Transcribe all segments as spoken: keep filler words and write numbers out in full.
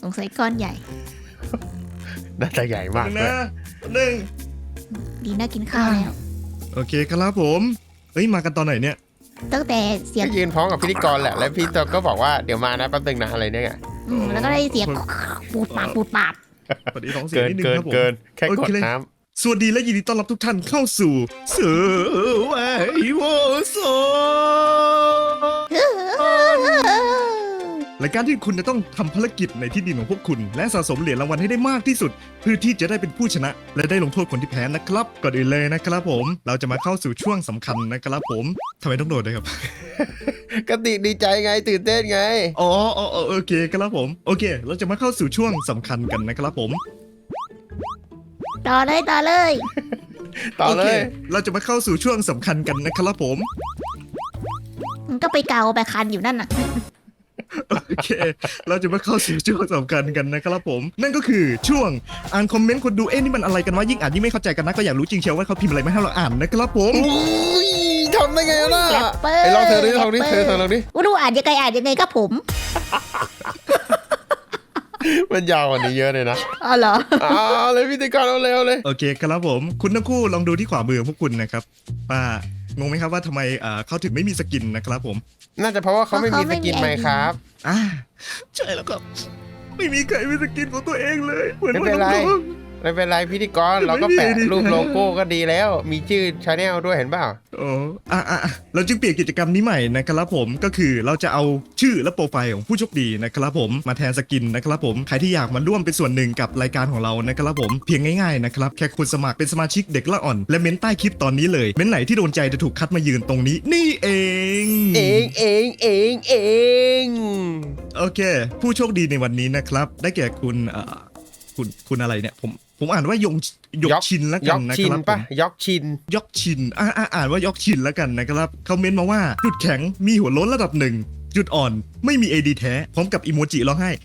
สงสัยก้อนใหญ่น่าจะใหญ่มากเลยนะหนึ่งดีน่ากินข้าวแล้วโอเคครับผมเฮ้ยมากันตอนไหนเนี่ยตั้งแต่เสียงก็ยืนพร้อมกับพิธีกรแหละแล้วพี่ตัวก็บอกว่าเดี๋ยวมานะแป๊บนึงนะอะไรเนี่ยอืมแล้วก็ได้เสียงปูดปาดปูดปาดพอดีท้องเสียเกินนิดนึงเกินครับผมเกินแค่กดโอเคน้สวัสดีและยินดีต้อนรับทุกท่านเข้าสู่เสือไวโวโซรายการที่คุณจะต้องทำภารกิจในที่ดินของพวกคุณ และสะสมเหรียญรางวัลให้ได้มากที่สุด เพื่อที่จะได้เป็นผู้ชนะ และได้ลงโทษคนที่แพ้นะครับก่อนอื่นเลยนะครับผมเราจะมาเข้าสู่ช่วงสำคัญนะครับผมทำไมต้องโดดด้วยครับำก็ติดีใจไงตื่นเต้นไงอ๋ออ๋ออ๋อโอเคครับผมโอเค เราจะมาเข้าสู่ช่วงสำคัญกันนะครับผมต่อเลยต่อเลยต่อเลโคยเราจะมาเข้าสู่ช่วงสำคัญกันนะครับผมมันก็ไปเกาไปคันอยู่นั่นน่ะโอเค เราจะมาเข้าสู่ช่วงสำคัญกันนะครับผม นั่นก็คือช่วงอ่านคอมเมนต์คนดูเอ๊ะนี่มันอะไรกันวะยิ่งอ่านยิ่งไม่เข้าใจกันนะก็อยากรู้จริงเชียวว่าเขาพิมพ์อะไรมาให้เราอ่านนะครับผมอุ้ยทำได้ไงล่ะแรปเปอร์ไอ้ลองเธอดิลองดิเธอเธอลองดิว่าดูอ่านยังไงอ่านยังไงก็ผมมันยาวกว่านี้เยอะเลยนะอ๋อเหรอเอาเลยพิธีกรเอาเร็วเลยโอเคครับผม คุณทั้งคู่ลองดูที่ขวามือของพวกคุณนะครับว่างงไหมครับว่าทำไมอ่าเขาถึงไม่มีสกินนะครับผมน่าจะเพราะว่าเขาไม่มีสกินไหมครับอ่าใช่แล้วครับไม่มีใครมีสกินของตัวเองเลยเหมือนไม่เป็นไรว่าน้องไม่เป็นไรพิธีกรเราก็แปะรูปโลโก้ก็ดีแล้ว มีชื่อชาแนลด้วยเห็นเปล่าๆอ๋ออ่ะอ่ะอ่ะเราจึงเปลี่ยนกิจกรรมนี้ใหม่นะครับผมก็คือเราจะเอาชื่อและโปรไฟล์ของผู้โชคดีนะครับผมมาแทนสกินนะครับผมใครที่อยากมาร่วมเป็นส่วนหนึ่งกับรายการของเรานะครับผมเพียงง่ายๆนะครับแค่คุณสมัครเป็นสมาชิกเด็กละอ่อนและเม้นใต้คลิปตอนนี้เลยเม้นไหนที่โดนใจจะถูกคัดมายืนตรงนี้นี่เองเองเองเองเองโอเค ผู้โชคดีในวันนี้นะครับได้แก่คุณเอ่อคุณคุณอะไรเนี่ยผมผมอ่านว่ายงยกชินแล้วยกันอกนะชิคน รับผปะมยอกชินยกชินอ่าอ่าอ่านว่ายกชินแล้วกันนะครับเขาเมนต์มาว่าจุดแข็งมีหัวโล้นระดับหนึ่งจุดอ่อนไม่มี เอ ดี แท้พร้อมกับอีโมจิร้องไห้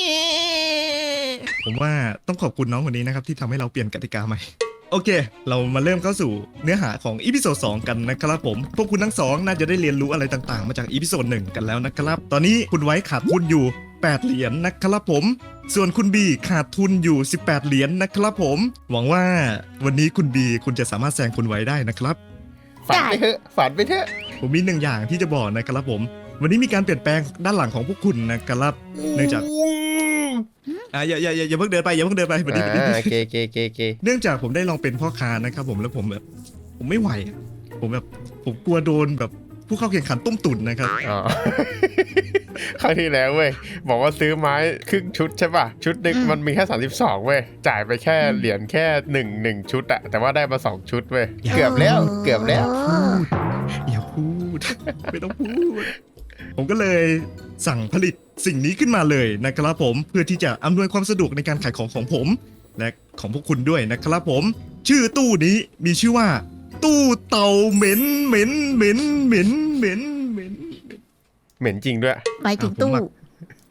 ผมว่าต้องขอบคุณน้องคนนี้นะครับที่ทำให้เราเปลี่ยนกติกาใหม่ โอเค เรามาเริ่มเข้าสู่เนื้อหาของอีพิโซดสองกันนะครับผมพวกคุณทั้งสองน่าจะได้เรียนรู้อะไรต่างๆ มาจากอีพิโซดหนึ่งกันแล้วนะครับตอนนี้คุณไว้ขาดทุนอยู่แปดเหรียญนะครับผมส่วนคุณบีขาดทุนอยู่สิบแปดเหรียญนะครับผมหวังว่าวันนี้คุณบีคุณจะสามารถแซงคุณไว้ได้นะครับฝันไปเถอะฝันไปเถอะผมมีหนึ่งอย่างที่จะบอกนะครับผม วันนี้มีการเปลี่ยนแปลงด้านหลังของพวกคุณนะครับเนื่องจากอ่าอย่าอย่าอย่าอย่าเพิ่งเดินไปอย่าเพิ่งเดินไปวันนี้วันนี้อ่าเกเกเกเกเนื่องจากผมได้ลองเป็นพ่อค้านะครับผมแล้วผมแบบผมไม่ไหวอะผมแบบผมกลัวโดนแบบผู้เข้าแข่งขันต้มตุ๋นนะครับอ๋อ ครั้งที่แล้วเว้ยบอกว่าซื้อไม้ครึ่งชุดใช่ป่ะชุดหนึงมันมีแค่สามสิบสองเว้ยจ่ายไปแค่เหรียญแค่หนึ่งหนึ่งชุดอะแต่ว่าได้มาสองชุดเว้ยเกือบแล้วเกือบแล้วอย่าพูด ไม่ต้องพูด ผมก็เลยสั่งผลิตสิ่งนี้ขึ้นมาเลยนะครับผมเพื่อที่จะอำนวยความสะดวกในการขายของของผม และของพวกคุณด้วยนะครับผม ชื่อตู้นี้มีชื่อว่า ตู้เต่าเหม็นเหม็นเหม็นเหม็นเหม็นเหม็นเหม็นจริงด้วยไปถึงตู้อ่ะผมอะ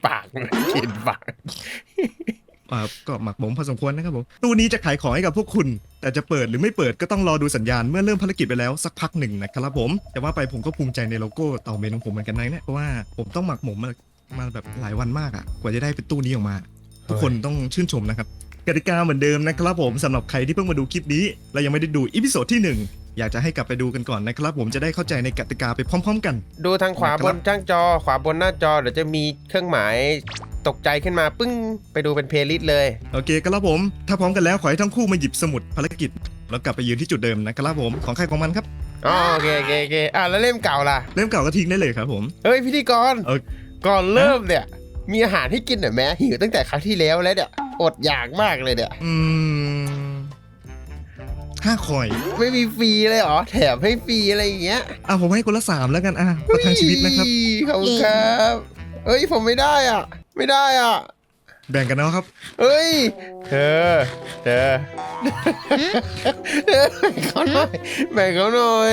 ปากกินปากอ่าก็หมักหมมพอสมควรนะครับผมตู้นี้จะขายของให้กับพวกคุณ แต่จะเปิดหรือไม่เปิดก็ต้องรอดูสัญญาณเมื่อเริ่มภารกิจไปแล้วสักพักหนึ่งนะครับผมแต่ว่าไปผมก็ภูมิใจในโลโก้เต่าเหม็นของผมเหมือนกันนะเนี่ยเพราะว่าผมต้องหมักหมมมามาแบบหลายวันมากอ่ะกว่าจะได้เป็นตู้นี้ออกมา ทุกคนต้องชื่นชมนะครับกติกาเหมือนเดิมนะครับผมสำหรับใครที่เพิ่งมาดูคลิปนี้และยังไม่ได้ดูอีพิโซดที่หนึ่งอยากจะให้กลับไปดูกันก่อนนะครับผมจะได้เข้าใจในกติกาไปพร้อม ๆ กันดูทางขวาบนจ้างจอ ขวาบนหน้าจอเดี๋ยวจะมีเครื่องหมายตกใจขึ้นมาปึ้งไปดูเป็นเพลย์ลิสต์เลยโอเคครับผมถ้าพร้อมกันแล้วขอให้ทั้งคู่มาหยิบสมุดภารกิจแล้วกลับไปยืนที่จุดเดิมนะครับผมของใครของมันครับอ๋อโอเคโอเคโอเคอ่ะแล้วเล่มเก่าล่ะเล่มเก่าก็ทิ้งได้เลยครับผมเฮ้ยพิธีกรเออก่อนเริ่มเนี่ย มีอาหารให้กินหน่อยไหมหิวตั้งแต่ครั้งที่แล้วแล้วเนี่ยอดอยากมากเลยเนี่ยอืมห้าคอยไม่มีฟรีเลยเหรอแถมให้ฟรีอะไรอย่างเงี้ยอ่ะผมให้คนละสามแล้วกันอ่ะประทังชีวิตนะครับขอบคุณครับเอ้ยผมไม่ได้อ่ะ ไม่ได้อ่ะแบ่งกันเนาะครับเอ้ยเธอเธอเธอแบ่งเขาหน่อยแบ่งเขาหน่อย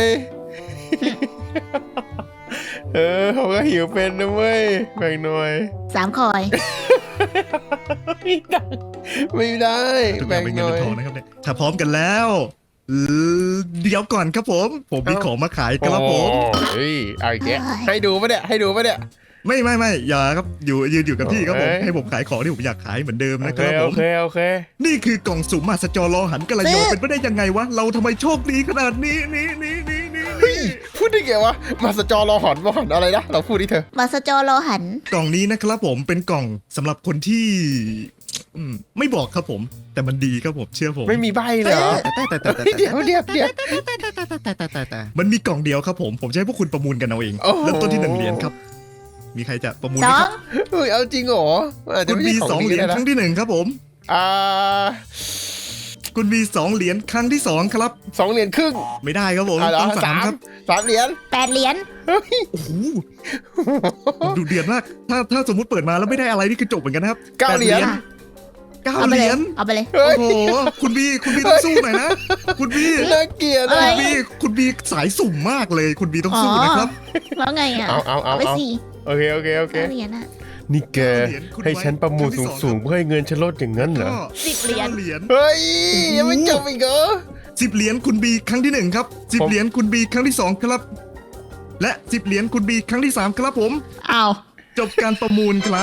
เออเขาก็หิวเป็นนะเว้ยแบ่งหน่อยสามคอยไม่ได้ไม่ได้ทุกอแบ่ย่างงเป็นหเงินน่อเป็นยทองนะครับเนี่ยถ้าพร้อมกันแล้วเอ่อเดี๋ยวก่อนครับผม ผมมีเอ้าของมาขายครับผมโอ้ยเอาอีกแกให้ดูปะเนี่ยให้ดูปะเนี่ยไม่ไม่ไม่อย่าครับอยู่ยืนอยู่กับที่ครับผมเอ้ยให้ผมขายของที่ผมอยากขายเหมือนเดิมโอนะคเครับผโอมเคโอเคนี่คือกล่องสุ่มมหัศจรรอหันกระยอเป็นไปได้ยังไงวะเราทำไมโชคดีขนาดนี้นี่นี่นี่นี่เฮ้ยพูดได้ไงวะมาสจอรอหอนรอหอนอะไรนะเราพูดดิเธอมาสจอรอหันกล่องนี้นะครับผมเป็นกล่องสำหรับคนที่อืมไม่บอกครับผม แต่มันดีครับผมเชื่อผมไม่มีใบเลยเหรอแต่แต่แต่แต่เฮ้ยเดี๋ยวเดี๋ยวเดี๋ยวแต่มันมีกล่องเดียวครับผมผมจะให้พวกคุณประมูลกันเอาเองโอ้โหเริ่มต้นที่หนึ่งเหรียญครับ มีใครจะประมูลสไหมอคงรับเฮ้ยเอาจริงเหรออาจจะคุณไม่มีใช่ขสออง งดีเหรียญนะครั้งที่หนึ่งครับผมอ่าคุณมีสองเหรียญครั้งที่สองครับสองเหรียญครึ่งไม่ได้ครับผมอ่าเหรอต้องสาสาม มครับสามเหรียญแปดเหรียญเฮ้ยโอ้โหดูเดือดมากถ้าถ้าสมมุติเปิดมาแล้วไม่ได้อะไรนี่คือจบเหมือนกันนะครับเก้าเหรียญเก้าเอาไปเหเลรียยญเอาไปเลยเฮ้โอ้ยโหคุณบีคุณบีต้องสู้หน่อยนะ คุณบีน่าเกลียดเอ้อะยคุณบีคุณบีสายสุ่มมากเลย คุณบีต้องสู้นะครับแล้วไงอ่ะเอาเอาเอาไปเอาสี่โอเคโอเคโอเคเก้าเหรียญอ่ะนี่แกเหรียญคุณให้ฉันประมูลครั้งที่สองสูงๆเพื่อให้เงินฉันลดอย่างนั้นเหรอก็สิบเหรียญก้าเหรียญเฮ้ยยังไม่จบอีกเหรอสิบเหรียญคุณบีครั้งที่หนึ่งครับสิบผมเหรียญคุณบีครั้งที่สองครับ และสิบเหรียญคุณบีครั้งที่สามครับผมอ้าวจบการประมูลครับ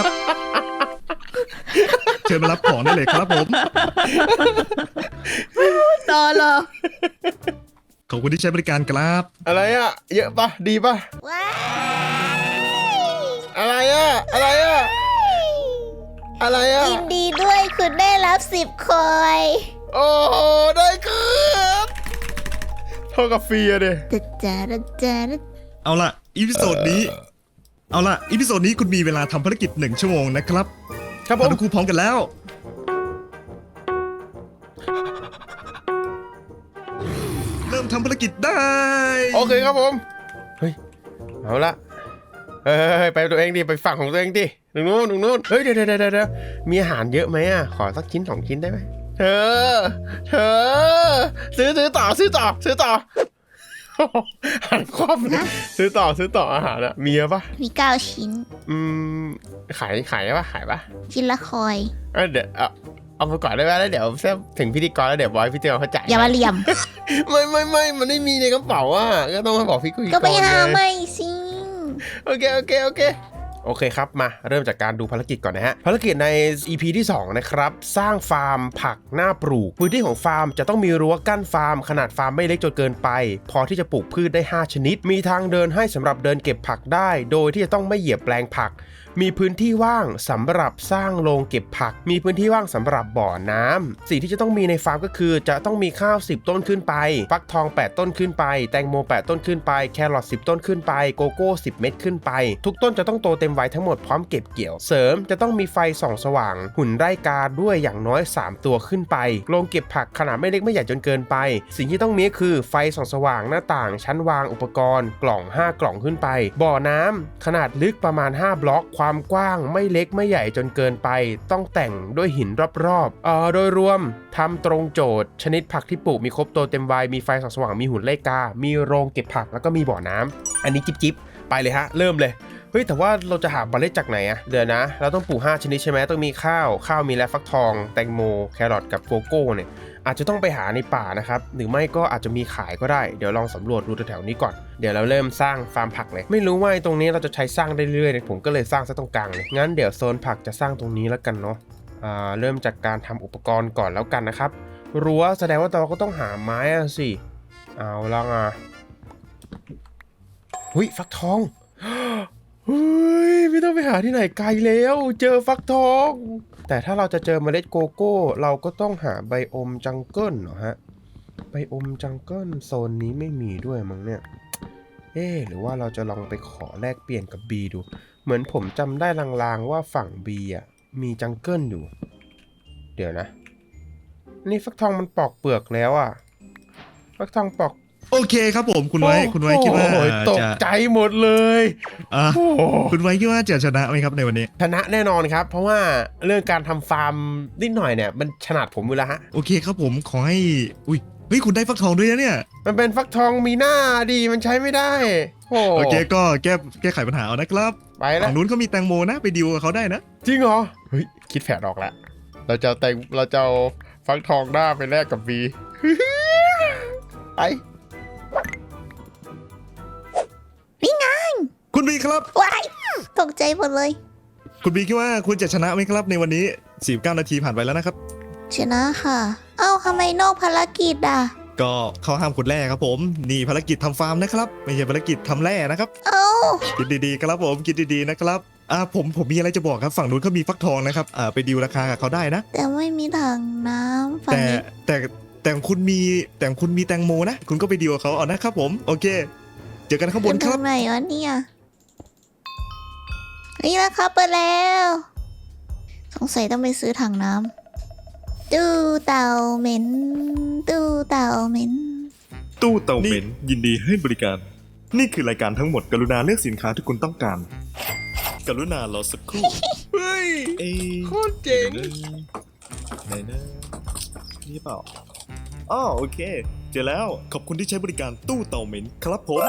เชิญมารับของได้เลยครับผมต่อเหรอขอบคุณที่ใช้บริการครับอะไรอ่ะ เยอะปะดีปะว้ายอะไรอ่ะอะไรอ่ะอะไรอ่ะยินดีด้วยคุณได้รับสิบคอยโอ้โหได้ครับเท่ากับฟรีอะเดจะจะจะจะเอาล่ะอีพิโซดนี้ เอาล่ะอีพิโซดนี้คุณมีเวลาทำภารกิจหนึ่งชั่วโมงนะครับครับผเรามทั้งคู่พร้อมกันแล้ว เริ่มทำภารกิจได้โอเคครับผมเฮ้ยเอาละเฮ้ยเฮ้ยเฮ้ยไปตัวเองดิไปฝั่งของตัวเองดิตรงนู้นตรงนู้นเฮ้ยเดี๋ยวเดี๋ยวเดี๋ยวเดี๋ยวมีอาหารเยอะไหมอ่ะขอสักชิ้นสองชิ้นได้ไหมเธอเธอซื้อซื้อต่อซื้อต่อซื้อต่อหันคว่ำเลยซื้อต่อซื้อต่ออาหารอะมีเยอะปะมีเก้าชิ้นอืมขายขายปะขายปะชิ้นละคอยเอ้ยเดี๋ยวเอาเอาไปก่อนได้ไหมแล้วเดี๋ยวเซฟถึงพิธีกรแล้วเดี๋ยวบอยพี่เตียวเขาจ่ายอย่ามาเหลี่ยมไม่ไม่ไม่มันไม่มีในกระเป๋าอ่ะก็ต้องมาบอกพี่กุยก็ไปหาไงไม่สิโอเคโอเคโอเคโอเคครับมาเริ่มจากการดูภารกิจก่อนนะฮะภารกิจใน อี พี ที่สองนะครับสร้างฟาร์มผักหน้าปลูกพื้นที่ของฟาร์มจะต้องมีรั้วกั้นฟาร์มขนาดฟาร์มไม่เล็กจนเกินไป พอที่จะปลูกพืชได้ห้าชนิดมีทางเดินให้สำหรับเดินเก็บผักได้โดยที่จะต้องไม่เหยียบแปลงผักมีพื้นที่ว่างสำหรับสร้างโรงเก็บผักมีพื้นที่ว่างสำหรับบ่อน้ำสิ่งที่จะต้องมีในฟาร์มก็คือจะต้องมีข้าวสิบต้นขึ้นไปฟักทองแปดต้นขึ้นไปแตงโมแปดต้นขึ้นไปแครอทสิบต้นขึ้นไปโกโก้สิบเม็ดขึ้นไปทุกต้นจะต้องโตเต็มวัยทั้งหมดพร้อมเก็บเกี่ยวเสริมจะต้องมีไฟส่องสว่างหุ่นไร่กาด้วยอย่างน้อยสามตัวขึ้นไปโรงเก็บผักขนาดไม่เล็กไม่ใหญ่จนเกินไปสิ่งที่ต้องมีก็คือไฟส่องสว่างหน้าต่างชั้นวางอุปกรณ์กล่องห้ากล่องขึ้นไปบ่อน้ำขนาดลึกประมาณห้าบล็อกความกว้างไม่เล็กไม่ใหญ่จนเกินไปต้องแต่งด้วยหินรอบๆเอ่อโดยรวมทำตรงโจทย์ชนิดผักที่ปลูกมีครบโตเต็มวัยมีไฟส่องสว่างมีหุ่นไล่กามีโรงเก็บผักแล้วก็มีบ่อน้ำอันนี้จิ๊บจิ๊บไปเลยฮะเริ่มเลยเฮ้ยแต่ว่าเราจะหาเมล็ดจากไหนอะเดี๋ยวนะเราต้องปลูกห้าชนิดใช่ไหมต้องมีข้าวข้าวมีและฟักทองแตงโมแครอทกับโกโก้เนี่ยอาจจะต้องไปหาในป่านะครับหรือไม่ก็อาจจะมีขายก็ได้เดี๋ยวลองสำรวจดูแถวๆนี้ก่อนเดี๋ยวเราเริ่มสร้างฟาร์มผักเลยไม่รู้ว่าตรงนี้เราจะใช้สร้างได้เรื่อยๆผมก็เลยสร้างซะตรงกลางเลยงั้นเดี๋ยวโซนผักจะสร้างตรงนี้แล้วกันเนาะอ่าเริ่มจากการทำอุปกรณ์ก่อนแล้วกันนะครับรั้วแสดงว่าเราก็ต้องหาไม้อะสิเอาละอ่ะหุ้ยฟักทองเฮ้ยไม่ต้องไปหาที่ไหนไกลแล้วเจอฟักทองแต่ถ้าเราจะเจอเมล็ดโกโก้เราก็ต้องหาไบโอมจังเกิลเหรอฮะไบโอมจังเกิลโซนนี้ไม่มีด้วยมั้งเนี่ยเอ๊ะหรือว่าเราจะลองไปขอแลกเปลี่ยนกับ B ดูเหมือนผมจำได้ลางๆว่าฝั่ง B อ่ะมีจังเกิลอยู่เดี๋ยวนะนี่ฟักทองมันปอกเปลือกแล้วอ่ะฟักทองปอกโอเคครับผมคุณไว้คุณไว้คิดว่าโอ้ยตกจะใจหมดเลยอ่ะโอ้โหคุณไว้คิดว่าจะชนะไหมครับในวันนี้ชนะแน่นอนครับเพราะว่าเรื่องการทำฟาร์มนิดหน่อยเนี่ยมันถนัดผมอยู่แล้วฮะโอเคครับผมขอให้อุ้ยเฮ้ยคุณได้ฟักทองด้วยนะเนี่ยมันเป็นฟักทองมีหน้าดีมันใช้ไม่ได้โอ้โอเคก็แก้แก้ไขปัญหาเอานะครับไปแล้วฝั่งนู้นเขามีแตงโมนะไปดิวกับเขาได้นะจริงเหรอเฮ้ยคิดแผนออกแล้วเราจะเอาแตงเราจะเอาฟักทองหน้าไปแลกกับบี ไปคุณคุณบีครับว้ายตกใจหมดเลยคุณบีคิดว่าคุณจะชนะไหมครับในวันนี้สี่สิบเก้านาทีผ่านไปแล้วนะครับชนะค่ะ เอ้าทำไมนอกภารกิจอ่ะก็เขาห้ามขุดแร่ครับผมนี่ภารกิจทำฟาร์มนะครับไม่ใช่ภารกิจทำแร่นะครับเอ้าคิดดีๆครับผมคิดดีๆนะครับอ่าผมผมมีอะไรจะบอกครับฝั่งนู้นเขามีฟักทองนะครับอ่าไปดีลราคากับเขาได้นะแต่ไม่มีถังน้ำฝั่งแต่นี้แต่แต่คุณมีแต่คุณมีแตงโมนะ คุณก็ไปดีลกับเขาเอานะครับผมโอเค เจอกันข้างบนคตรัรบงไหนวะเนี่ยนี่นะคะเปิดแล้ว สงสัยต้องไปซื้อถังน้ำตู้เต่าเหม็นตู้เต่าเหม็นตู้เตาเหม็นยินดีให้บริการ นี่คือรายการทั้งหมดกรุณาเลือกสินค้าที่คุณต้องการ กรุณารอสักครู่เฮ้ยเอ้ยโคตรเจ๋งไหนนะนี่เปล่าอ๋อโอเค เจอแล้วขอบคุณที่ใช้บริการตู้เตาเหม็นครับผม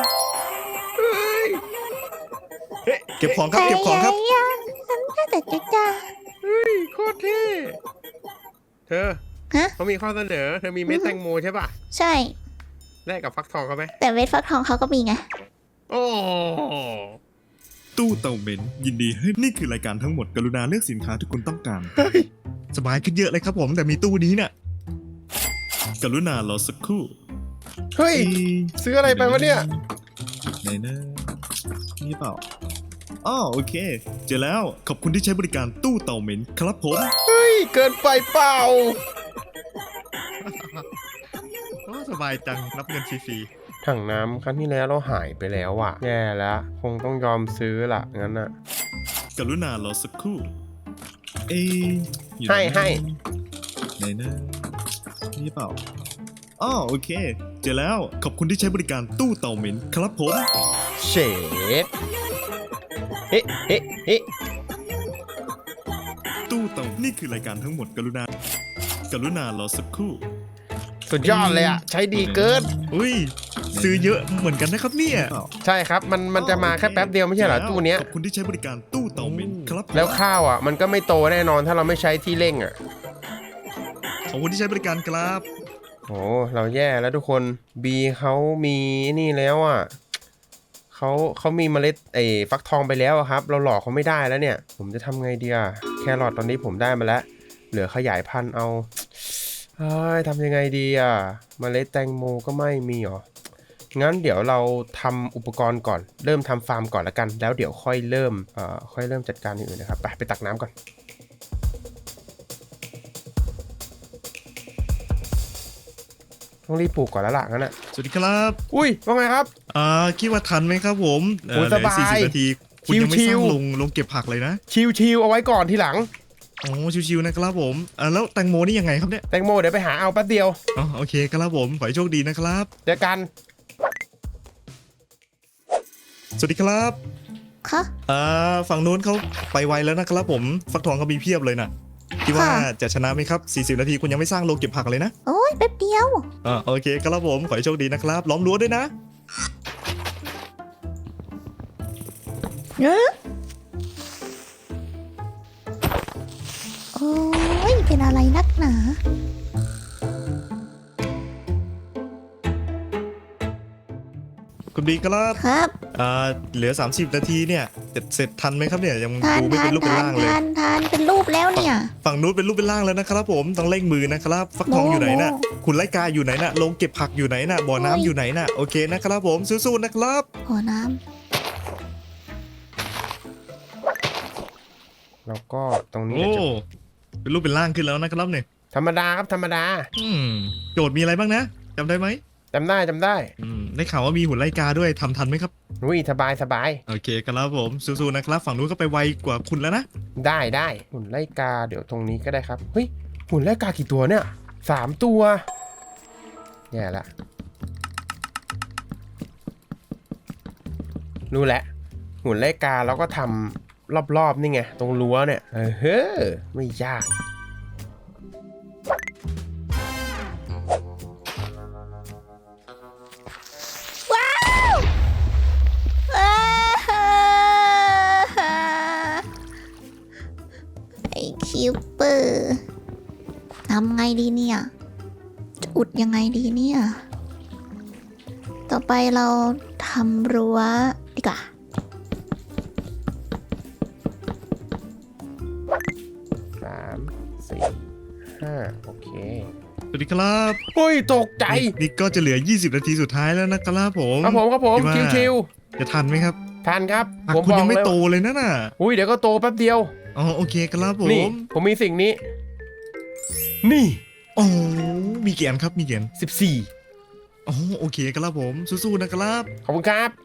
เก็บของครับเก็บของครับฉันแค่แต่จะจ้าเฮ้ยโคตรเท่เธอฮะเขามีข้อเสนอ เธอมีเม็ดแตงโมใช่ป่ะใช่แลกกับฟักทองเขาไหมแต่เวทฟักทองเขาก็มีไงโอ้ตู้เตาเหม็นยินดีให้นี่คือรายการทั้งหมดกรุณาเลือกสินค้าที่คุณต้องการสบายขึ้นเยอะเลยครับผมแต่มีตู้นี้เนี่ยกรุณารอสักครู่เฮ้ย ซื้ออะไรไปวะเนี่ยไหนนะนี่เปล่าอ๋อโอเค เจอแล้วขอบคุณที่ใช้บริการตู้เตาเหม็นครับผมเฮ้ย เกินไปเปล่าสบายจังรับเงินฟรีถังน้ำครั้งที่แล้วเราหายไปแล้วอ่ะ แย่แล้ว คงต้องยอมซื้อละงั้นอ่ะๆกรุณารอสักครู่เอ้ยอยู่ให้ไนนะให้ไหนนะนี่เปล่าอ๋อโอเค เจอแล้วขอบคุณที่ใช้บริการตู้เตาเหม็นครับผมเชดเฮ้เฮ้เฮ้ตู้เตานี่คือรายการทั้งหมดกรุณากรุณารอสักครู่สุดยอดเลยอ่ะ ใช้ดีเกินอุ้ยซื้อเยอะเหมือนกันนะครับเนี่ยใช่ครับ มันมันจะมาแค่แป๊บเดียวไม่ใช่เหรอตู้เนี้ยขอบคุณที่ใช้บริการตู้เตาเหม็นครับผมแล้วข้าวอ่ะ มันก็ไม่โตแน่นอนถ้าเราไม่ใช้ที่เร่งอ่ะขอบคุณที่ใช้บริการครับโอ้เราแย่แล้วทุกคนบีเขามีนี่แล้วอ่ะเขาเขามีเมล็ดไอ้ฟักทองไปแล้วอะครับ เราหลอกเขาไม่ได้แล้วเนี่ย ผมจะทำไงดีอะแครอทตอนนี้ผมได้มาแล้ว เหลือขยายพันธุ์เอาเฮ้ยทำยังไงดีอะเมล็ดแตงโมก็ไม่มีหรองั้นเดี๋ยวเราทำอุปกรณ์ก่อนเริ่มทำฟาร์มก่อนละกัน แล้วเดี๋ยวค่อยเริ่มเอ่อค่อยเริ่มจัดการอย่างอื่นนะครับไปไปตักน้ำก่อนต้องรีบปลูกก่อนแล้วล่ะงั้นอ่ะสวัสดีครับอุ้ยว่าไงครับอ่าคิดว่าทันไหมครับผมเอ่อโอ้ยสบายเหลือสี่สิบนาทีคุณยังไม่ชิสร้างวๆลงลงเก็บผักเลยนะชิวๆเอาไว้ก่อนทีหลังโอ้ชิวๆนะครับผมอ่าแล้วแตงโมนี่ยังไงครับเนี่ยแตงโมเดี๋ยวไปหาเอาแป๊บเดียวอ๋อโอเคครับผมขอให้โชคดีนะครับเจอกันสวัสดีครับคะอ่าฝั่งนู้นเขาไปไวแล้วนะครับผมฟักทองเขามีเพียบเลยนะคิดว่าจะชนะไหมครับสี่สิบนาทีคุณยังไม่สร้างโรงเก็บผักเลยนะโอ้ยแป๊บเดียวอ่าโอเคครับผมขอให้โชคดีนะครับล้อมรั้วด้วยนะเนอะโอ้ยเป็นอะไรนักหนาคุณบีครับครับอ่าเหลือ สามสิบ นาทีเนี่ยเสร็จเสร็จทันไหมครับเนี่ยยังทานดูไม่ทาเป็น นรูปเป็นทานร่างเลยทานทานเป็นรูปแล้วเนี่ยฝั่งนู้นเป็นรูปเป็นร่างแล้วนะครับผมต้องเร่งมือนะครับฟักทองโมอยู่ไหนน่ะโมคุณไล่กาอยู่ไหนน่ะลงเก็บผักอยู่ไหนน่ะบ่อน้ำโอ้ยอยู่ไหนน่ะโอเคนะครับผมสู้ๆนะครับหัวน้แล้วก็ตรงนี้โอ้เดี๋ยวจะเป็นรูปเป็นร่างขึ้นแล้วนะครับเนี่ยธรรมดาครับธรรมดาอืมโจทย์มีอะไรบ้างนะจำได้ไหมจำได้จำได้อืมได้ข่าวว่ามีหุ่นไล่กาด้วยทำทันไหมครับอุ้ยสบายสบายโอเคครับผมสู้ๆนะครับฝั่งนู้นก็ไปไวกว่าคุณแล้วนะได้ได้หุ่นไล่กาเดี๋ยวตรงนี้ก็ได้ครับเฮ้ยหุ่นไล่กากี่ตัวเนี่ยสามตัวแย่ละรู้แหละหุ่นไล่กาแล้วก็ทำรอบๆนี่ไงตรงรั้วเนี่ยเออเฮ้อไม่ยากำว้าวว้าวไอคิวเปอร์ทำไงดีเนี่ยจะอุดยังไงดีเนี่ย ต่อไปเราทำรั้วดีกว่าห้าโอเคสวัสดีครับเฮ้ยตกใจนี่นี่ก็จะเหลือยี่สิบนาทีสุดท้ายแล้วนะครับผมครับผมครับผมคิดว่าชิวจะทันไหมครับๆทานครับผักผมคุณบอยังกไม่เลยโตเลยนะน่ะอุ้ยเดี๋ยวก็โตแป๊บเดียวอ๋อโอเคครับผนี่มผมมีสิ่งนี้ นี่โอ้มีเกียนครับมีเกียนสิบสี่อ๋อโอเคครับผมสู้ๆนะครับขอบคุณครับ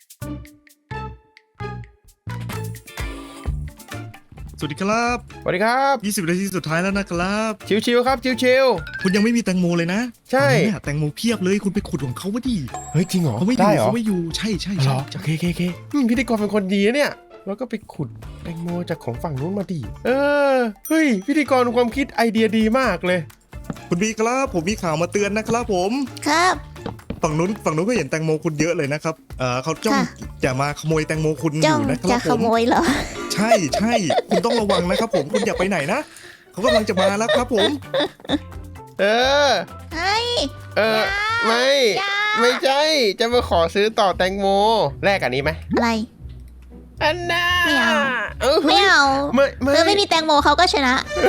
สวัสดีครับสวัสดีครับยี่สิบนาทีสุดท้ายแล้วนะครับชิวๆครับชิวคุณยังไม่มีแตงโมเลยนะใช่ตอนนี้เนี่ยแตงโมเพียบเลยคุณไปขุดของเขาวะดิๆเฮ้ยจริงเหรอเขาไม่อได้ยู่เหรอเขาไม่อยู่ใช่ใช่เหรใช่อโอเคโอเคโอเคอืมพิธีกรเป็นคนดีนะเนี่ยแล้วก็ไปขุดแตงโมจากของฝั่งนู้นมาดิเออเฮ้ยพิธีกรความคิดไอเดียดีมากเลยคุณบีครับผมมีข่าวมาเตือนนะครับผมครับฝั่งนู้นฝั่งนู้นก็เห็นแตงโมคุณเยอะเลยนะครับเออเขาจ้องค่ะจะมาขโมยแตงโมคุณอจ้องยู่นะคจะรับขผมโมยเหรอใช่ใช่คุณต้องระวังนะครับผมคุณอย่าไปไหนนะเขากำลังจะมาแล้วครับผมเออเฮ้ยเออไม่อย่าไม่ใช่จะมาขอซื้อต่อแตงโมแลกอันนี้ไหมอะไรอันน่าไม่เอาเออไม่เอาไม่ไม่เธอไม่มีแตงโมเขาก็ชนะ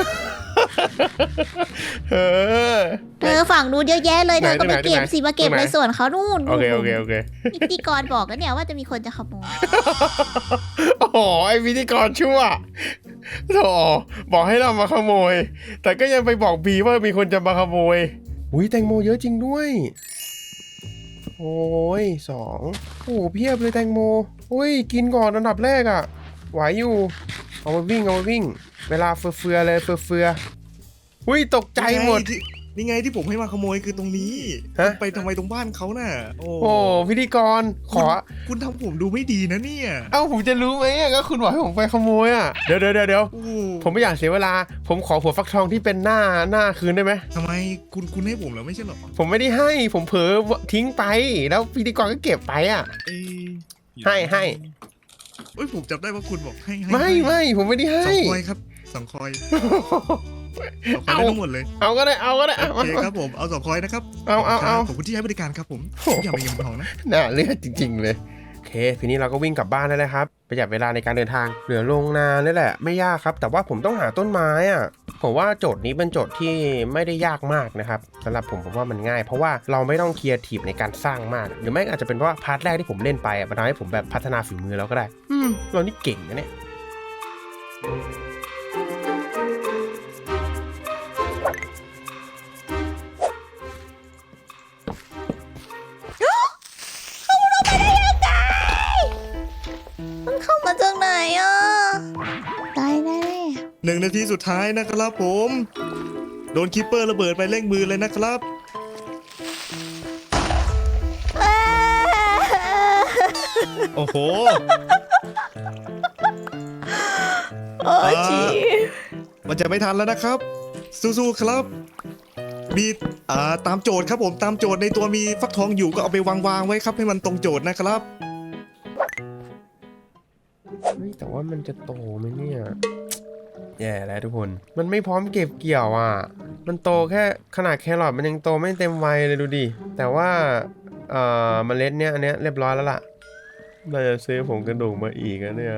เออเธอฝั่งนู้นเยอะแยะเลยไหนเธอก็ไปตรงไหนเก็บตรงไหนสิมาเก็บตรงไหนในส่วนเขานู่นโอเคโอเคโอเคนี่พิธีกรบอกกันเนี่ยว่าจะมีคนจะขโมยโอ้โหไอพิธีกรชั่วโถบอกให้เรามาขโมย แต่ก็ยังไปบอกบีว่ามีคนจะมาขโมยอุ้ยแตงโมเยอะจริงด้วย โอ้ยสองโอ้เพียบเลยแตงโมอุ้ยกินก่อนอันดับแรกอะไหวอยู่เอาไปวิ่งเอาไปวิ่ง เวลาเฟือๆเลยเฟือๆอุ้ยตกใจหมดนี่ไงที่ผมให้มาขโมยคือตรงนี้ฮะคุณไปทำไมตรงบ้านเขาน่ะโอ้โอ้พิธีกรขอคุณทำผมดูไม่ดีนะเนี่ยเอ้าผมจะรู้ไหมอะก็คุณบอกให้ผมไปขโมยอ่ะเดี๋ยวเดี๋ยวเดี๋ยวเดี๋ยวโอ้ผมไม่อยากเสียเวลา ผมขอหัวฟักทองที่เป็นหน้าหน้าคืนได้ไหมทำไมคุณคุณให้ผมแล้วไม่ใช่เหรอผมไม่ได้ให้ผมเผลอทิ้งไป แล้วพิธีกรก็เก็บไปอ่ะเอ้ยให้ให้เอ้ยผมจำได้ว่าคุณบอกให้ให้ไม่ให้ไม่ผมไม่ได้สให้องคอยครับสองคอยสองคอยได้ทั้งหมดเลยเอาก็ได้เอาก็ได้โอเอาเคครับผมเอาสองคอยนะครับเอาเอาเอาขอบคุณที่ให้บริการครับผมโอ้โหอย่าไปเงินทองนะน่าเลือดจริง ๆ เลยโอเคทีนี้เราก็วิ่งกลับบ้านได้แล้วครับประหยัดเวลาในการเดินทางเหลือโรงนานี่แหละไม่ยากครับ แต่ว่าผมต้องหาต้นไม้อ่ะผมว่าโจทย์นี้เป็นโจทย์ที่ไม่ได้ยากมากนะครับสำหรับผมผมว่ามันง่าย เพราะว่าเราไม่ต้องเคลียร์ทีฟในการสร้างมาก หรือไม่อาจจะเป็นเพราะว่าพาร์ทแรกที่ผมเล่นไปอะมันทำให้ผมแบบพัฒนาฝีมือแล้วก็ได้อืมเรานี่เก่งนะเนี่ยมันเข้ามาจากไหนอ่ะตายแน่หนึ่งนาทีสุดท้ายนะครับผม โดนคิปเปอร์ระเบิดไปเร่งมือเลยนะครับเอ้ยโอ้โหโอ้ยจีมันจะไม่ทันแล้วนะครับ สู้ๆครับ มีอ่าตามโจทย์ครับผมตามโจทย์ในตัวมีฟักทองอยู่ก็เอาไปวางๆไว้ครับให้มันตรงโจทย์นะครับเฮ้ยแต่ว่ามันจะโตไหมเนี่ยแย่แล้วทุกคนมันไม่พร้อมเก็บเกี่ยวอ่ะมันโตแค่ขนาดแครอทมันยังโตไม่เต็มวัยเลยดูดิแต่ว่าเอ่อเมล็ดเนี้ยอันเนี้ยเรียบร้อยแล้วล่ะเราจะซื้อผงกระดูกมาอีกนะเนี่ย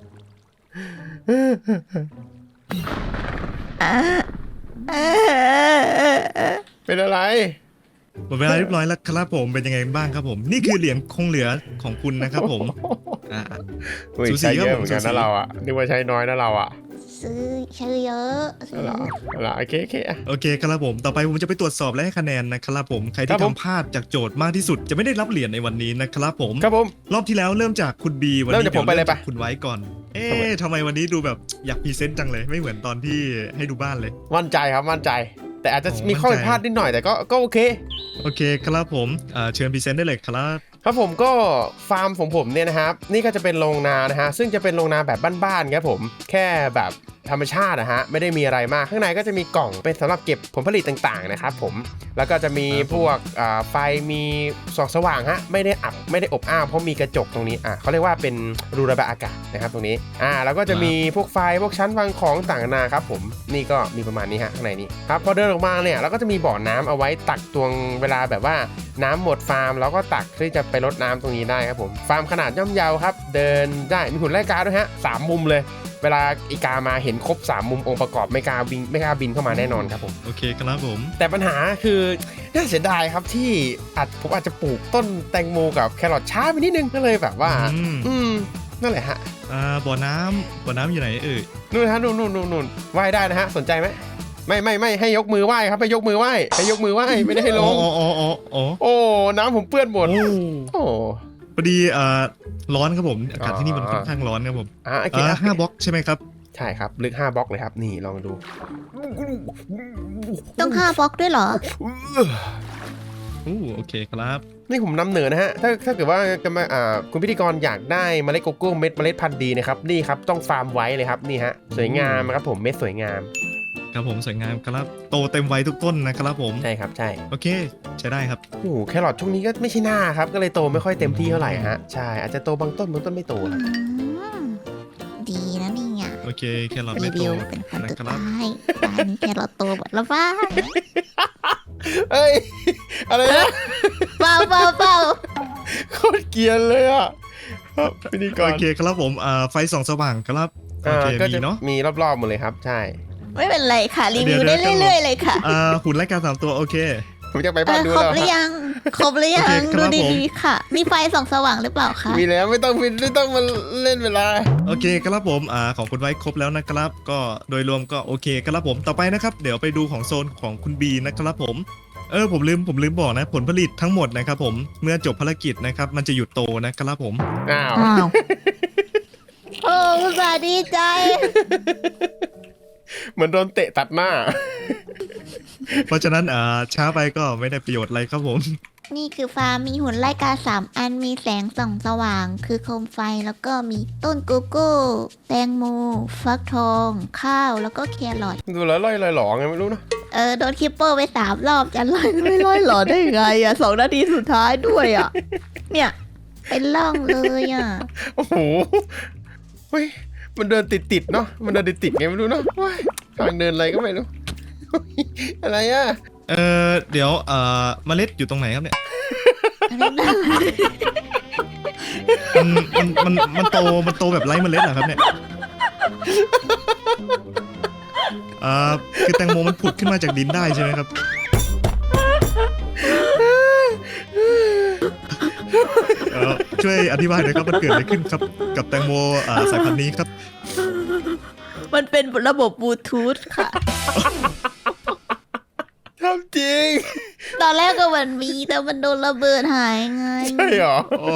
เป็นอะไรหมดเวลาเรียบร้อยแล้วครับผมเป็นยังไงบ้างครับผม นี่คือเหรียญคงเหลือของคุณนะครับผมอ่าอุ้ยสูสีใช้เยครัอะบผมเหมือนกันสูสีนะเราอ่ะนึกว่าใช้น้อยนะเราอ่ะซื้อชื่อเยอะซื้เอาอล่ะเอาล่ะโอเคโอเคอ่ะโอเคครับผมต่อไปผมจะไปตรวจสอบและให้คะแนนนะครับผมใครครัที่บผมทำพลาดจากโจทย์มากที่สุดจะไม่ได้รับเหรียญในวันนี้นะครับผมครับผมรอบที่แล้วเริ่มจากคุณบีวันเริ่มนี้จากผมไปเลยริ่ปะจากคุณไว้ก่อน เอ๊ทำไมะทำไมวันนี้ดูแบบอยากพรีเซนต์จังเลยไม่เหมือนตอนที่ให้ดูบ้านเลยมั่นใจครับมั่นใจ แต่อาจจะโอ้มีข้อมั่ผินดใจพลาดนิดหน่อยแต่ก็ก็โอเคโอเคครับผมเอ่อเชิญพรีเซนต์ได้เลยครับครับผมก็ฟาร์มของผมเนี่ยนะครับนี่ก็จะเป็นโรงนานะฮะซึ่งจะเป็นโรงนาแบบบ้านๆครับผมแค่แบบธรรมชาตินะฮะไม่ได้มีอะไรมากข้างในก็จะมีกล่องเป็นสำหรับเก็บผลผลิตต่างๆนะครับผมแล้วก็จะมีพวกอ่าไฟมีส่องสว่างฮะไม่ได้อับไม่ได้อบอ้าวเพราะมีกระจกตรงนี้อ่ะเขาเรียกว่าเป็นรูระบายอากาศนะครับตรงนี้อ่าแล้วก็จะมีพวกไฟพวกชั้นวางของต่างๆนานาครับผมนี่ก็มีประมาณนี้ฮะข้างในนี้ครับพอเดินออกมาเนี่ยเราก็จะมีบ่อน้ำเอาไว้ตักตวงเวลาแบบว่าน้ำหมดฟาร์มแล้วก็ตักที่จะไปรดน้ำตรงนี้ได้ครับผมฟาร์มขนาดย่อมเยาครับเดินได้มีหุ่นไล่กาด้วยฮะสามมุมเลยเวลาอีกามาเห็นครบสามมุมองค์ประกอบไม่กล้าบินไม่กล้าบินเข้ามาแน่นอนครับผมโอเคครับผมแต่ปัญหาคือน่าเสียดายครับที่อาจผมอาจจะปลูกต้นแตงโมกับแครอทช้าไปนิดนึงก็เลยแบบว่าอืมอืมนั่นแหละฮะอ่าบ่อน้ำบ่อน้ำอยู่ไหนเอ่ยนู่นฮะนู่นนู่นนู่นนู่นไหว้ได้นะฮะสนใจไหมไม่ไม่ไม่ให้ยกมือไหว้ครับให้ยกมือไหว้ให้ยกมือไหว้ไม่ได้ให้ลอ๋อง อ๋ออ๋ออ๋ออ๋อโอ้น้ำผมเปื้อนหมดโอ้โอ้พอดีอ่าร้อนครับผมอากาศที่นี่มันค่อนข้างร้อนครับผมอ่ะโอเคอ่านะห้าบล็อกใช่ไหมครับใช่ครับลึกห้าบล็อกเลยครับนี่ลองดูต้องห้าบล็อกด้วยเหรอโอ้โอเคครับนี่ผมนำเหนือนะฮะถ้าถ้าเกิดว่าจะมาอ่าคุณพิธีกรอยากได้เมล็ดโกโก้เม็ดเมล็ดพันธุ์ดีนะครับนี่ครับต้องฟาร์มไว้เลยครับนี่ฮะสวยงามครับผมเม็ดสวยงามครับผมสวยงามครับโตเต็มวัยทุกต้นนะครับผมใช่ครับใช่โอเคใช้ได้ครับโอ้โหแครอทช่วงนี้ก็ไม่ใช่หน้าครับก็เลยโตไม่ค่อยเต็มที่เท่าไหร่ฮะใช่อาจจะโตบางต้นบางต้นไม่โตครับอืมดีนะนี่อ่ะโอเคแครอทรีไม่โตวิวเป็นคนนะสุดครับท้ายตอนนี้แครอทโตหมดแล้วบ้างเอ้ยอะไรนะเบาเบาเบาโคตรเกรียนเลยอ่ะครับพิธีกรโอเคครับผมอ่าไฟส่องสว่างครับโออ่าเคก็มีจะเนาะมีรอบๆหมดเลยครับใช่ไม่เป็นไรค่ะ รีวิวเดี๋ได้ยวๆเรื่อยๆเลยค่ะอ่าหุ่นไล่กาสามตัวโอเคผมจะไปเอบ้านอดูครบแล้วหรือยัง ครบหรือยัโอเคงครัดูบผมดีๆค่ะ มีไฟส่องสว่างหรือเปล่าคะมีแล้วไม่ต้องไม่ต้องมาเล่นเวลาโอเคครับผมอ่าของคุณไว้ครบแล้วนะครับ ก็โดยรวมก็โอเคครับผมต่อไปนะครับ เดี๋ยวไปดูของโซนของคุณบีนะครับผมเออผมลืมผมลืมบอกนะผลผลิตทั้งหมดนะครับผมเมื่อจบภารกิจนะครับมันจะหยุดโตนะครับผมอ้าวอ้าวโอ้อุตส่าห์ดีใจเหมือนโดนเตะตัดหน้าเพราะฉะนั้นอ่าช้าไปก็ไม่ได้ประโยชน์อะไรครับผมนี่คือฟาร์มมีหุ่นไล่กาสามอันมีแสงส่องสว่าง คือโคมไฟแล้วก็มีต้นโกโก้ แตงโม ฟักทอง ข้าวแล้วก็แครอทดูแล้วลอยลอยหลอไงไม่รู้เนอะเออโดนคิปเปอร์ไปสามรอบจะไล่ไม่ไล่หรอได้ไงอ่ะสองนาทีสุดท้ายด้วยอ่ะ เนี่ย เป็นล่องเลยอ่ะโอ้โหเฮ้ยมันเดินติดติดๆเนาะมันเดินติดติดๆไงไม่รู้เนาะว้ายทางเดินอะไรก็ไม่รู้เฮ้ยอะไรอ่ะเออเดี๋ยวเอ่อเมล็ดอยู่ตรงไหนครับเนี่ยมันมันมันมันโตมันโตแบบไร้เมล็ดเหรอครับเนี่ยอ่าคือแตงโมมันผุดขึ้นมาจากดินได้ใช่ไหมครับเอ่อช่วยอธิบายหน่อยครับมันเกิดอะไรขึ้นครับกับแตงโมอ่าสายพันธุ์นี้ครับมันเป็นระบบบลูทูธค่ะทำจริงตอนแรกก็มันมีแต่มันโดนระเบิดหายไงใช่เหรออ๋อ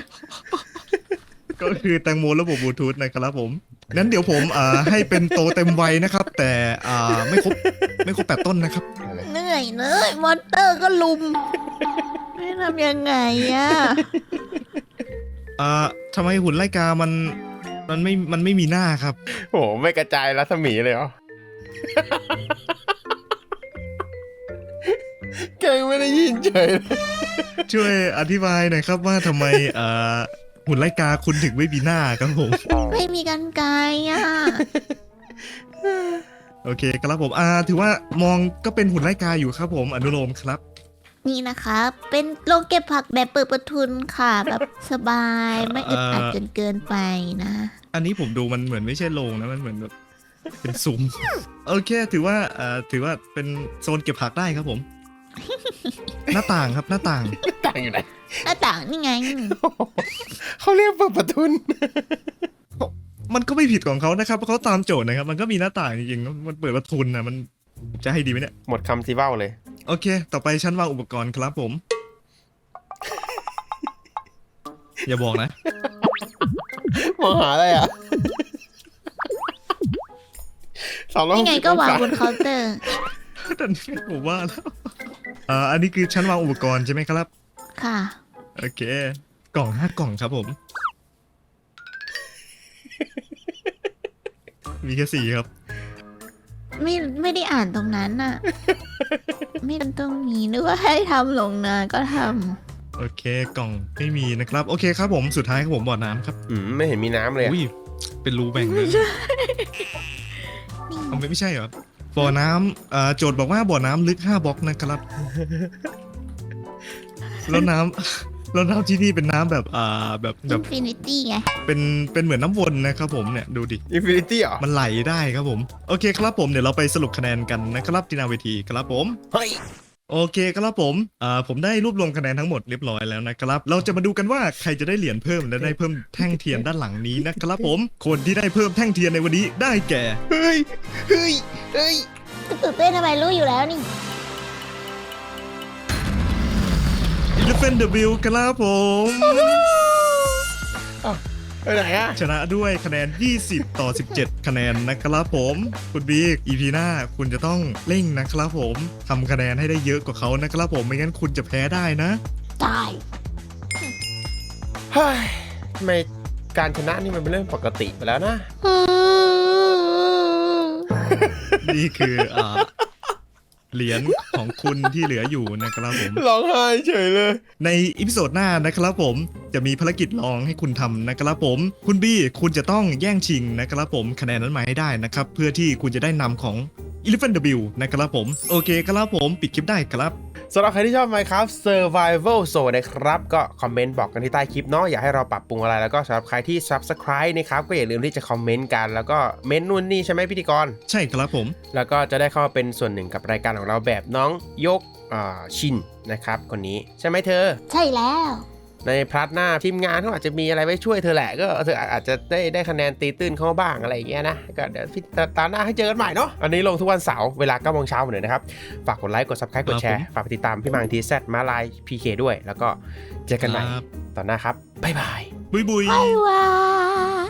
ก็คือแตงโมระบบบลูทูธนะครับผมงั้นเดี๋ยวผมอ่าให้เป็นโตเต็มวัยนะครับ แต่อ่าไม่ครบไม่ครบแปดต้นนะครับเหนื่อยเนยมอนเตอร์ก็ลุม ไม่ทำยังไงอ่ะอ่าทำไมหุ่นไล่กามันมันไม่มันไม่มีหน้าครับโอ้โหไม่กระจายรัศมีเลยเหรอ แกยังไม่ได้ยินเฉยเลยช่วยอธิบายหน่อยครับว่าทำไมอ่าหุ่นไล่กาคุณถึงไม่มีหน้าครับผมไม่มีกันไกลอ่ะโอเคครับผมอ่าถือว่ามองก็เป็นหุ่นไล่กาอยู่ครับผมอนุโลมครับนี่นะคะเป็นโรงเก็บผักแบบเปิดประทุนค่ะ แบบสบายไม่อึดอัดจนเกินไปนะอันนี้ผมดูมันเหมือนไม่ใช่โรงนะมันเหมือนแบบเป็นซุ้ม โอเค ถือว่าอ่าถือว่าเป็นโซนเก็บผักได้ครับผม หน้าต่างครับหน้าต่างต่างอยู่ไหนหน้าต่างนี่ไงเขาเรียกเปิดประทุนมันก็ไม่ผิดของเขานะครับเพราะเขาตามโจทย์นะครับ มันก็มีหน้าต่างจริงๆมันเปิดประทุนนะมันจะให้ดีไหมเนี่ยหมดคำซีเบ้าเลยโอเค ต่อไปชั้นวางอุปกรณ์ครับผม อย่าบอกนะมองหาอะไรอ่ะ สองร้อยหนี่กไงสิบก็องวางศาบนเคาน์เตอร์แต่นี่ผมว่าแล้วอ่าอันนี้คือชั้นวางอุปกรณ์ใช่ไหมครับค่ะโอเค กล่องห้ากล่องครับผม มีแค่สี่ครับไม่ไม่ได้อ่านตรงนั้นน่ะ ไม่ตรงนี้นึกว่าให้ทำลงนาก็ทโอเค กล่องไม่มีนะครับ โอเคครับผมสุดท้ายครับผมบ่อน้ำครับอืมไม่เห็นมีน้ำเลยอะอุ้ยเป็นรูแบ่งเลยำนี่เอาไม่ไม่ใช่เหรอบ่อน้ำเอ่อโจทย์บอกว่าบ่อน้ำลึกห้าบล็อกนะครับ แล้วน้ำแล้วน้ำที่นี่เป็นน้ำแบบอ่าแบบแบอิบนฟินิตี้ไงเป็นเป็นเหมือนน้ำวนนะครับผมเนี่ยดูดิอินฟินิตี้เหรอมันไหลได้ครับผมโอเคครับผมเดี๋ยวเราไปสรุปคะแนนกันนะครับที่หนาเวทีครับผมเฮ้ยโอเคครับผมอ่าผมได้รวบรวมคะแนนทั้งหมดเรียบร้อยแล้วนะครับเราจะมาดูกันว่าใครจะได้เหรียญเพิ่มและได้เพิ่มแท่งเทียนด้านหลังนี้นะครับผมคนที่ได้เพิ่มแท่งเทียนในวันนี้ได้แก่เฮ้ยเฮ้ยเฮ้ยตื่นเต้นทำไมรู้อยู่แล้วนี่ Elephant W ครับผมไปไหนอะชนะด้วยคะแนนยี่สิบต่อสิบเจ็ดคะแนนนะครับผมคุณบิ๊ก อี พี หน้าคุณจะต้องเร่งนะครับผมทำคะแนนให้ได้เยอะกว่าเขานะครับผมไม่งั้นคุณจะแพ้ได้นะตายเฮ้ยทำไมการชนะนี่มันเป็นเรื่องปกติไปแล้วนะนี่คืออ่าเหรียญของคุณที่เหลืออยู่นะครับผมร้องไห้เฉยเลยในอีพิโซดหน้านะครับผมจะมีภารกิจลองให้คุณทำนะครับผมคุณบี้คุณจะต้องแย่งชิงนะครับผมคะแนนนั้นมาให้ได้นะครับเพื่อที่คุณจะได้นำของ Elephant W นะครับผมโอเคครับผมปิดคลิปได้ครับสำหรับใครที่ชอบ Minecraft Survival Zone นะครับก็คอมเมนต์บอกกันที่ใต้คลิปเนาะอยากให้เราปรับปรุงอะไรแล้วก็สำหรับใครที่ Subscribe นะครับก็อย่าลืมที่จะคอมเมนต์กันแล้วก็เม้นนู่นนี่ใช่ไหมพิธีกรใช่ครับผมแล้วก็จะได้เข้ามาเป็นส่วนหนึ่งกับรายการของเราแบบน้องยกอ่าชินนะครับคนนี้ใช่ไหมเธอใช่แล้วในพาร์ทหน้าทีมงานเขาอาจจะมีอะไรไว้ช่วยเธอแหละก็เธออาจจะได้ได้คะแนนตีตื้นเข้าบ้างอะไรอย่างเงี้ยนะก็เดี๋ยวพี่ตามหน้าให้เจอกันใหม่เนาะอันนี้ลงทุกวันเสาร์เวลาเก้าโมงเช้าเหมือนเดิมนะครับฝากกดไลค์กด Subscribe กดแชร์ฝากไปติดตามพี่มังทีแซดมาลาย พี เค ด้วยแล้วก็เจอกันใหม่ครับตอนหน้าครับบ๊ายบายบุยบุยบ๊ายบาย